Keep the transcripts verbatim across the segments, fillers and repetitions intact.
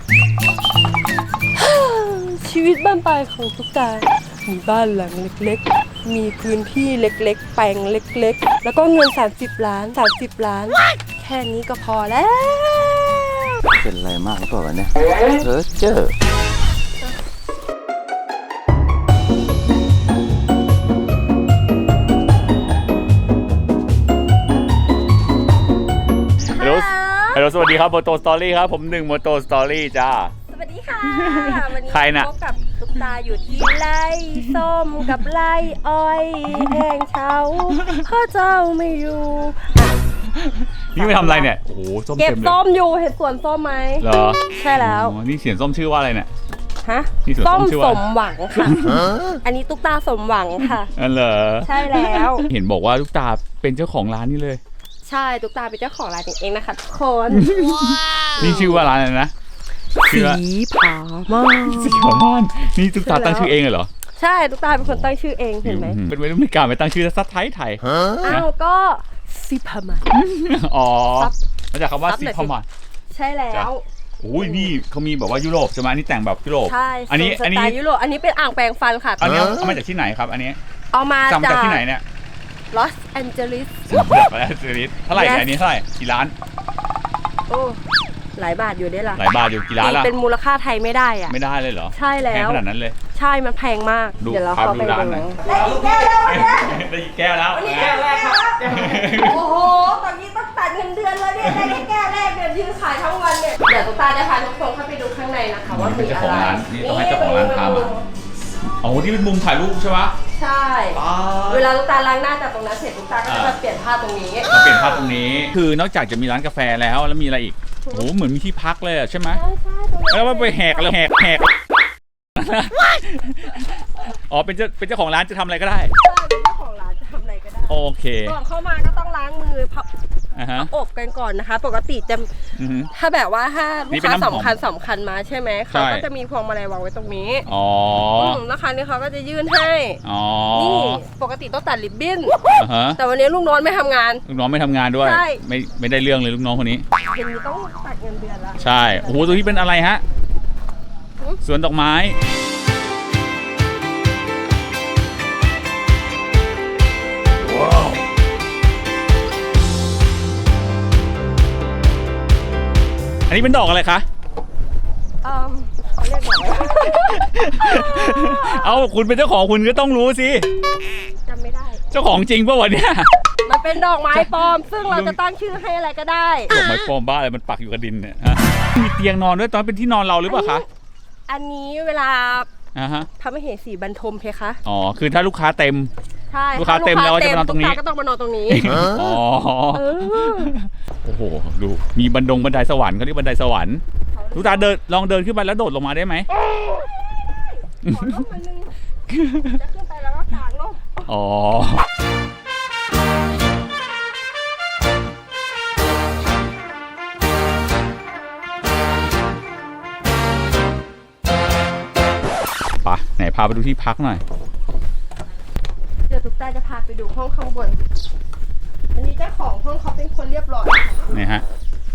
ชีวิตบ้านปลายของตุ๊กตามีบ้านหลังเล็กๆมีพื้นที่เล็กๆแปลงเล็กๆแล้วก็เงินสามสิบล้านสามสิบล้านแค่นี้ก็พอแล้วเป็นอะไรมากหรือเปล่าวะเนี่ยเออเจอฮัลโหลฮัลโหลสวัสดีครับโมโตสตอรี่ครับผมหนึ่งโมโตสตอรี่จ้าสวัสดีค่ะวันนี้ใครน่ะพบกับตุ๊กตาอยู่ที่ไร่ส้มกับไร่อ้อยแห้งเฉาพ่อเจ้าไม่อยู่นี่ไปทำอะไรเนี่ยโอ้โหส้มเก็บเต็มเลยส้มอยู่เห็นสวนส้มไหมเหรอใช่แล้วนี่เสียงส้มชื่อว่าอะไรเนี่ยฮะส้มสมหวังค่ะอันนี้ตุ๊กตาสมหวังค่ะอันเหรอใช่แล้วเห็นบอกว่าตุ๊กตาเป็นเจ้าของร้านนี่เลยใช่ตุ๊กตาเป็นเจ้าของร้านเองนะคะทุกคนนี่ชื่อว่าร้านอะไรนะสีผาม่านสีผาม่านนี่ตุ๊กตาตั้งชื่อเองเหรอใช่ตุ๊กตาเป็นคนตั้งชื่อเองเห็นไหมเป็นวัยรุ่นไม่กล้าไปตั้งชื่อซัดไทยไทยอ้าวก็สีผาม่านอ๋อมาจากคำว่าสีผาม่านใช่แล้วโอ้ยนี่เขามีแบบว่ายุโรปใช่ไหมนี่แต่งแบบยุโรปใช่อันนี้อันนี้ยุโรปอันนี้เป็นอ่างแปรงฟันค่ะอันนี้เอามาจากที่ไหนครับอันนี้เอามาจากที่ไหนเนี่ยลอสแอนเจลิสจากลอสแอนเจลิสเท่าไหร่อันนี้เท่าไหร่กี่ล้านโอ้หลายบาทอยู่ได้ละหลายบาทอยู่กี่ล้านล่ะเป็นมูลค่าไทยไม่ได้อะไม่ได้เลยเหรอใช่แล้วแพงขนาดนั้นเลยใช่มันแพงมากเดี๋ยวเราเข้าไปดูได้กี่แก้วแล้วได้กี่แก้วแล้วแก้วแรกครับโอ้โหตอนนี้ต้องตัดเงินเดือนเลยเนี่ยได้แก้วแรกเดือนยืนขายทั้งวันเนี่ยเดี๋ยวตุ๊กตาจะพาทุกคนเข้าไปดูข้างในนะคะว่ามีอะไรนี่ต้องให้เจ้าของร้านพามาอ๋อที่เป็นมุมถ่ายรูปใช่ปะใช่เวลาตุ๊กตาล้างหน้าจากตรงนั้นเสร็จตุ๊กตาก็จะมาเปลี่ยนผ้าตรงนี้มาเปลี่ยนผ้าตรงนี้คือนอกจากจะมีร้านกาแฟแล้วแล้วมีอะไรอีกโอ้โหเหมือนมีที่พักเลยใช่ไหมใช่ใช่ตรงนี้แล้วมันไปแหกแล้วแหกแหกอ๋อเป็นเจ้าเป็นเจ้าของร้านจะทำอะไรก็ได้ใช่เป็นเจ้าของร้านจะทำอะไรก็ได้โอเคก่อนเข้ามาก็ต้องล้างมือพับอบกันก่อนนะคะปกติจะถ้าแบบว่าถ้าลูกค้าสำคัญสำคัญมาใช่ไหมเขาก็จะมีพวงมาลัยวางไว้ตรงนี้อ๋อนะคะนี่เขาก็จะยื่นให้นี่ปกติต้องตัดริบบิ้นแต่วันนี้ลูกน้องไม่ทำงานลูกน้องไม่ทำงานด้วยไม่ไม่ได้เรื่องเลยลูกน้องคนนี้เห็นต้องตัดเงินเดือนละใช่โอ้โหตัวที่เป็นอะไรฮะสวนดอกไม้ว้าวอันนี้เป็นดอกอะไรคะเออเขาเรียกดอกอะไรเอาคุณเป็นเจ้าของคุณก็ต้องรู้สิจำไม่ได้เจ้าของจริงป่ะวะเนี่ยมันเป็นดอกไม้ปลอมซึ่งเราจะตั้งชื่อให้อะไรก็ได้ดอกไม้ปลอมบ้าอะไรมันปักอยู่กับดินเนี่ยมีเตียงนอนด้วยตอนเป็นที่นอนเราหรือเปล่าคะอันนี้เวลาพระมเหสีบรรทมเพคะอ๋อคือถ้าลูกค้าเต็มใช่ลูกค้าเต็มแล้วจะมานอนตรงนี้ก็ต้องมานอนตรงนี้อ๋อโอ้โหดูมีบันดงบันไดสวรรค์เขาเรียกบันไดสวรรค์ลูกตาเดินลองเดินขึ้นไปแล้วโดดลงมาได้ไหมจะขึ้นไปแล้วก็กางลงอ๋อปะไหนพาไปดูที่พักหน่อยเดี๋ยวตุ๊กตาจะพาไปดูห้องข้างบนอันนี้เจ้าของห้องเขาเป็นคนเรียบร้อยนี่ฮะ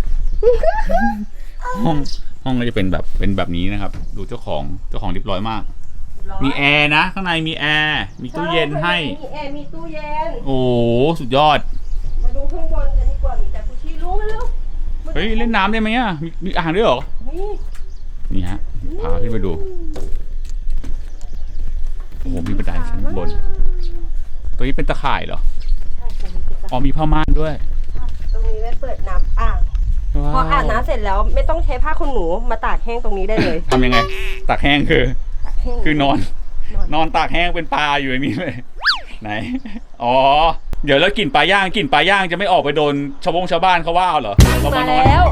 ห้องห้องก็จะเป็นแบบเป็นแบบนี้นะครับดูเจ้าของเจ้าของเรียบร้อยมากมีแอร์นะข้างในมีแอร์มีตู้เย็นให้มีแอร์มีตู้เย็นโอ้สุดยอดมาดูข้างบนกันดีกว่ามีแต่กุชี่รู้ไหมลูกเฮ้ยเล่นน้ำได้ไหมอ่ะมีมีอ่างด้วยเหรอนี่ฮะพาขึ้นไปดูโอ้โหมีบันไดชั้นบนตัวนี้เป็นตะข่ายเหรอใช่อ๋อมีผ้าม่านด้วยตรงนี้ไว้เปิดน้ำอ่างพออาบน้ำเสร็จแล้วไม่ต้องใช้ผ้าขนหนูมาตากแห้งตรงนี้ได้เลยทำยังไงตากแห้งคือคือนอนนอนตากแห้งเป็นปลาอยู่ในนี้เลยไหนอ๋อเดี๋ยวแล้วกลิ่นปลาย่างกลิ่นปลาย่างจะไม่ออกไปโดนชาวบงชาวบ้านเขาว่าเอาเหรอเรามานอนแล้ว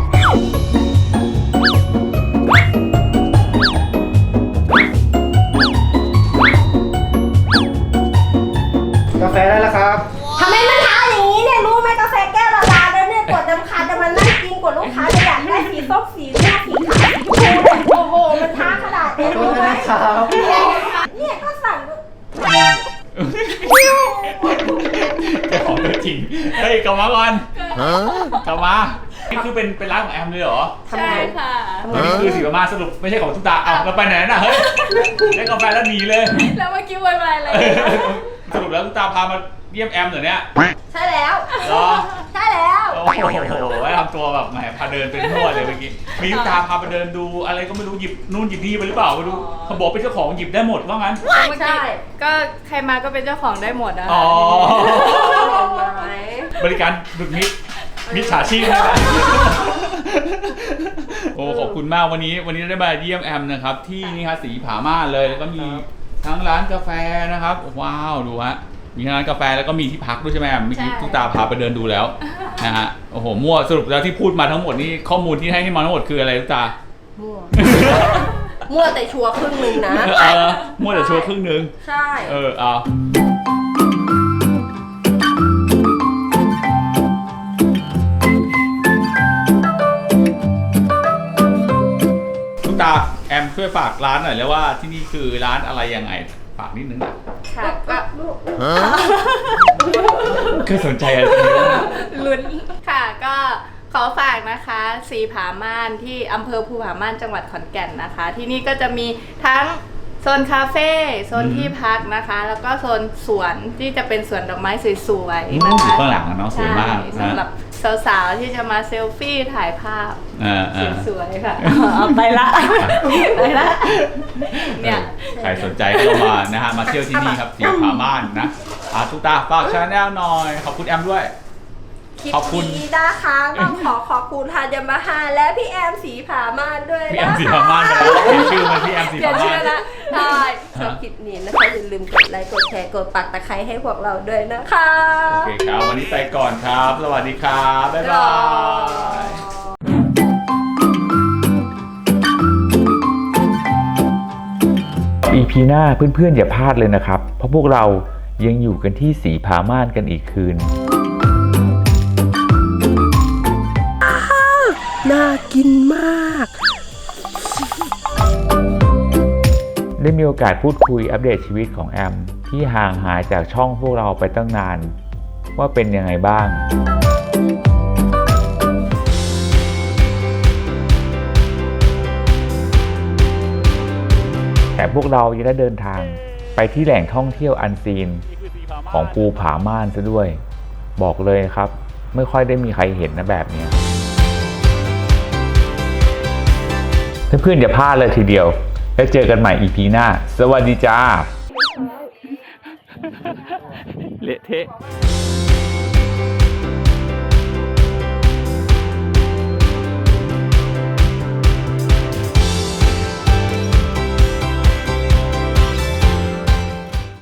กาแฟได้แล้วครับทำไมมันท้าอย่างนี้เนี่ยรู้ไหมกาแฟแก้วละลาแล้วเนี่ยกดจำคาจะมานั่งกินกดลูกค้าจะอยากได้สีส้มสีม่วงสีขาวสีชมพูโอ้โหมันท้าขนาดนี้รู้ไหมเนี่ยก็สั่งเจ้าของตัวจริงเฮ้ยกลับมาก่อนกลับมานี่คือเป็นเป็นร้านของแอมเลยเหรอทำใช่งานค่ะนี่คือสีมาสรุปไม่ใช่ของตุ๊กตาอ้าวเราไปไหนน่ะเฮ้ยได้กาแฟแล้วหนีเลยแล้วเมื่อกี้วายๆอะไรสรุปแล้วตุ๊กตาพามาเยี่ยมแอมเหรอเนี่ยใช่แล้วเหรอใช่แล้วโอ้โหไอ้ทำตัวแบบแหมพาเดินเป็นทั่วเลยเมื่อกี้มีตุ๊กตาพาไปเดินดูอะไรก็ไม่รู้หยิบนู่นหยิบนี่ไปหรือเปล่าไม่รู้เขาบอกเป็นเจ้าของหยิบได้หมดว่างั้นใช่ก็ใครมาก็เป็นเจ้าของได้หมดนะอ๋อไหมบริการดุดมิตรมิจฉาชีพนะโอ้ขอบคุณมากวันนี้วันนี้ได้มาเยี่ยมแอมนะครับที่นี่ครับสีผาม่านเลยแล้วก็มีทั้งร้านกาแฟนะครับว้าวดูฮะมีทั้งร้านกาแฟแล้วก็มีที่พักด้วยใช่ไหมแอมเมื่อกี้ตุ๊กตาพาไปเดินดูแล้วนะฮะโอ้โหมั่วสรุปแล้วที่พูดมาทั้งหมดนี่ข้อมูลที่ให้ที่มาทั้งหมดคืออะไรตุ๊กตามั่ว มั่วแต่ชัวร์ครึ่งหนึ่งนะเออมั่วแต่ชัวร์ครึ่งนึงใช่เออเอาตุ๊กตาแอมช่วยฝากร้านหน่อยแล้วว่าที่นี่คือร้านอะไรยังไงฝากนิดนึงนะค่ะก็เคยสนใจอะไรตรงนี้บ้างลุ้นค่ะก็ขอฝากนะคะสีผาม่านที่อำเภอภูผาม่านจังหวัดขอนแก่นนะคะ ที่นี่ก็จะมีทั้งโซนคาเฟ่โซนที่พักนะคะ แล้วก็โซนสวนที่จะเป็นสวนดอกไม้สวยอืมๆนะคะข้างหลังอะเนาะสวยมากใช่สำหรับสาวๆที่จะมาเซลฟี่ถ่ายภาพอ่าอ่าสวยๆค่ะเอาไปละไปละเนี่ยใครสนใจก็มานะฮะมาเที่ยวที่นี่ครับสีผาม่านนะอาตุ๊กตาฝากชาแนลหน่อยขอบคุณแอมด้วยคลิปขอบคุณนี้นะคะต้องขอขอบคุณทานยามาฮ่าและพี่แอมสีผาม่านด้วยพี่แอนะมสีคะผาม่านไปแล้วเปลี่ยนชื่อมาที่แอมสีเปลี่ยผานชื่ม่าอน ละได้ชอบคลิปนี้นะคะอย่าลืมกดไลค์กดแชร์กดปักตะไคร้ให้พวกเราด้วยนะคะโอเคครับวันนี้ไปก่อนครับ สวัสดีครับ บ๊ายบายอี พี หน้าเพื่อนๆอย่าพลาดเลยนะครับ เพราะพวกเรายังอยู่กันที่สีผาม่านกันอีกคืนน่ากินมากได้มีโอกาสพูดคุยอัปเดตชีวิตของแอม ที่ห่างหายจากช่องพวกเราไปตั้งนาน ว่าเป็นยังไงบ้าง แต่พวกเรายังได้เดินทางไปที่แหล่งท่องเที่ยวอันซีนของภูผาม่านซะด้วย บอกเลยครับ ไม่ค่อยได้มีใครเห็นนะแบบนี้ เพื่อนๆอย่าพลาดเลยทีเดียว แล้วเจอกันใหม่ อี พี หน้า สวัสดีจ้าเละเทะ